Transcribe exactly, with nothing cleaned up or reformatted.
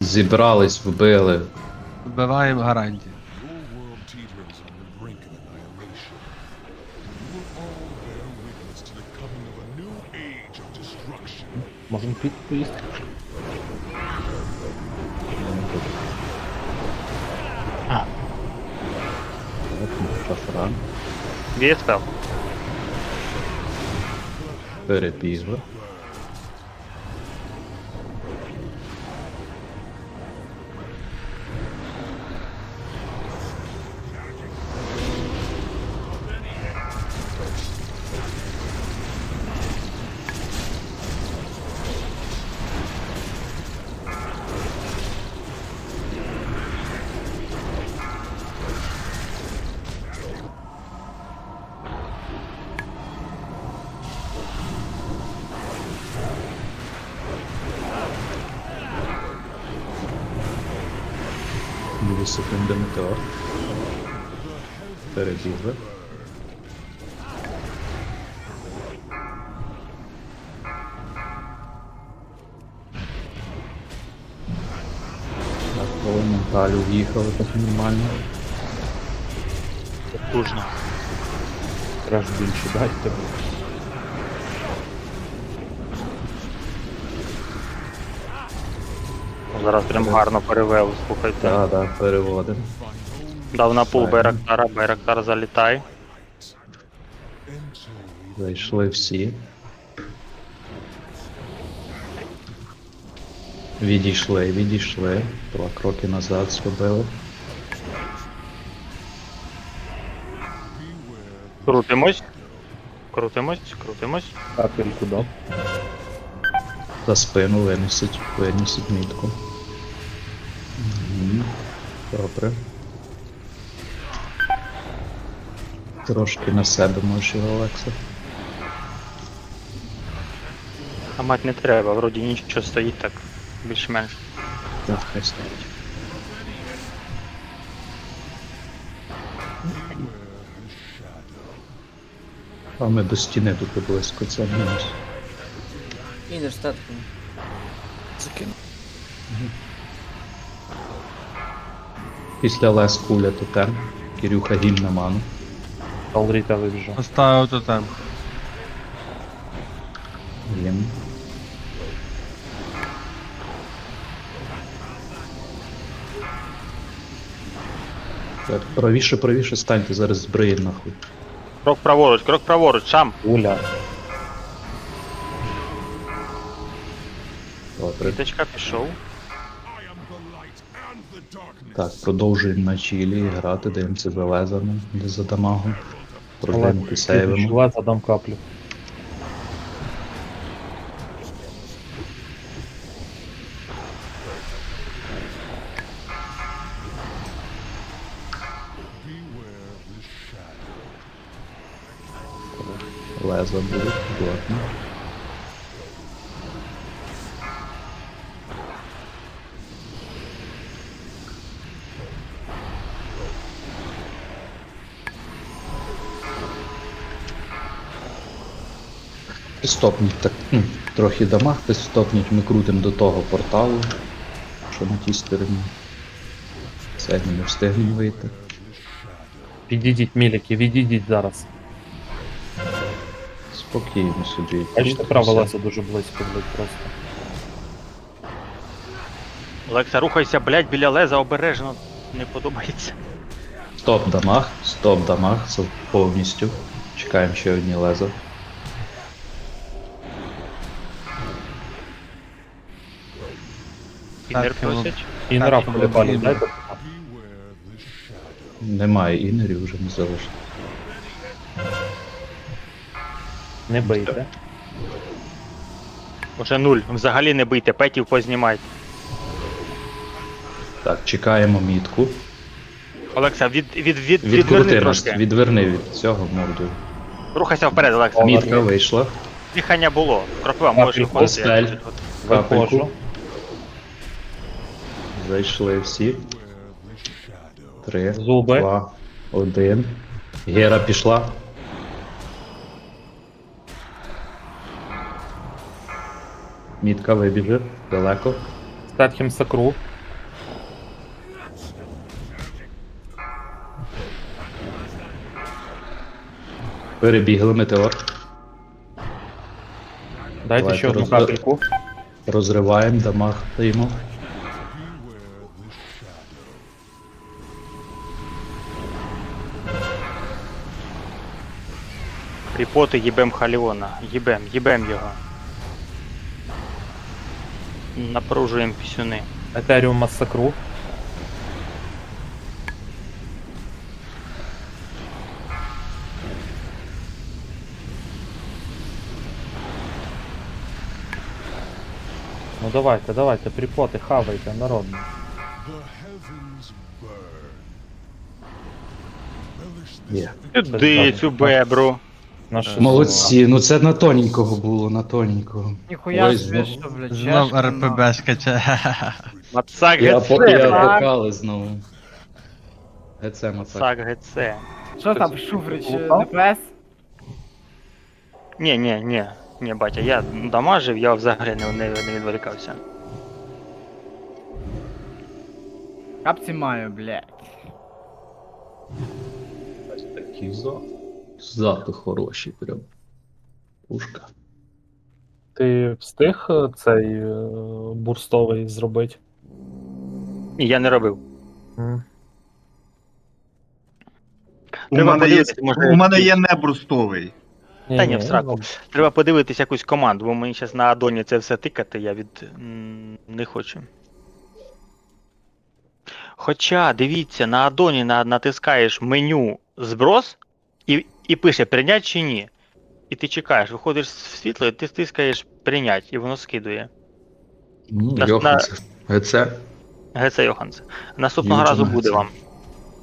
Зібрались, вбили. Вбиваємо гарантію. Your world teeters on the brink of annihilation. You will all bear witness to the coming of a new age of destruction. Можемо піти поїсти. А. Шафран. Є спел. Перебігли. Дві секунди метеор. Перебігли. Так, коли менталю в'їхали, так нормально. Потужно. Краще більше дайте. Зараз прям гарно перевели, слухайте. Так, так, переводимо. Дав на пул Файно. Байрактара, Байрактар залітай. Зайшли всі. Відійшли, відійшли. Два кроки назад зробили. Крутимось. Крутимось, крутимось. Капельку дав. За спину винесуть, винесуть мітку. Мгм. Добре. Трошки на себе можеш його, Олекса. А мать не треба, вроді нічого стоїть так. Більш-менш. Так, хай стоїть. А ми до стіни тут близько, це мінус. Інер статком. Закину. Після лес куля тотем. Кирюха гімн на ману. Алріта вибіжав. Поставив тотем. Гімн. Так, правіше, правіше станьте, зараз збриє нахуй. Крок праворуч, крок праворуч, сам. Уля. Добре. Віточка пішов. I am the light and the darkness. Так, продовжуємо на чілі грати, даємося за лезами, де за дамагом. Продвинути сейвимо. Пішла, задам каплю. Beware the shadow. Леза будуть, плотно. Підстопніть так, ну, трохи дамаг, підстопніть, ми крутимо до того порталу, що на тій стороні. Сьогодні не встигнемо вийти. Відійдіть, міліки, відійдіть зараз. Спокійно собі. Бачите, права Все. леса дуже близько, блядь, просто. Олекса, рухайся, блядь, біля леза, обережно. Не подобається. Стоп дамаг, стоп дамаг, це повністю. Чекаємо ще одні леза. Інер Так, просять. Інера Так, полюбали, Інер. дайте. Beware the shadow. Немає інерів, вже не залишилось. Не бийте. Уже нуль. Взагалі не бийте, петів познімайте. Так, чекаємо мітку. Олекса, від, від, від, відверни Відкрути нас, трошки. відверни від цього мордою. Рухайся вперед, Олекса. Мітка вийшла. Дихання було. Крокова, можеш Капельку. виходити. Стель. як тут. Капельку. Виходжу. Зайшли всі. Beware the shadow. Три, Зуби. два, один. Гера пішла. Мітка вибіже. Далеко. Статхем сакру. Перебігли метеор. Дайте Давайте ще одну роз- капельку. Розриваємо, дамаг даємо. Beware the shadow. Кріпоти їбем Халіона. Їбем, їбем його. Напружуємо пісюни. Етеріум масакру. Ну давайте, давайте, припоти, хавайте, народно. The heavens burn. Relish Є. this Сюди цю бебру. Наші Молодці, ну це на тоненького було, на тоненького. Ніхуя Ой, собі, знов- що, блядь, Знов чешка, РПБ скаче. Мацак Я, по, ГЦ. я так. покали знову. ГЦ Мацак. Мацак ГЦ. ну. Що там, Шуфрич, Лупав? ДПС? Ні, ні, ні. Ні, батя, я дамажив, я взагалі не, не, не відволікався. Капці маю, блядь. Такі за. Зати хороші прям. Пушка. Ти встиг е, цей е, бурстовий зробити? Ні, я не робив. М. У Треба мене, є, подивитися, може, у мене є небрустовий. Та ні, Ні-ні, в сраку. ну, Треба подивитись якусь команду, бо мені зараз на Адоні це все тикати, я від м, не хочу. Хоча, дивіться, на Адоні на, натискаєш меню зброс і, і пише прийнять чи ні. І ти чекаєш, виходиш в світло, і ти стискаєш прийнять, і воно скидує. Ну, На- Йоханс. ГЦ. ГЦ Йоханс. Наступного Юджин разу ГЦ. буде вам.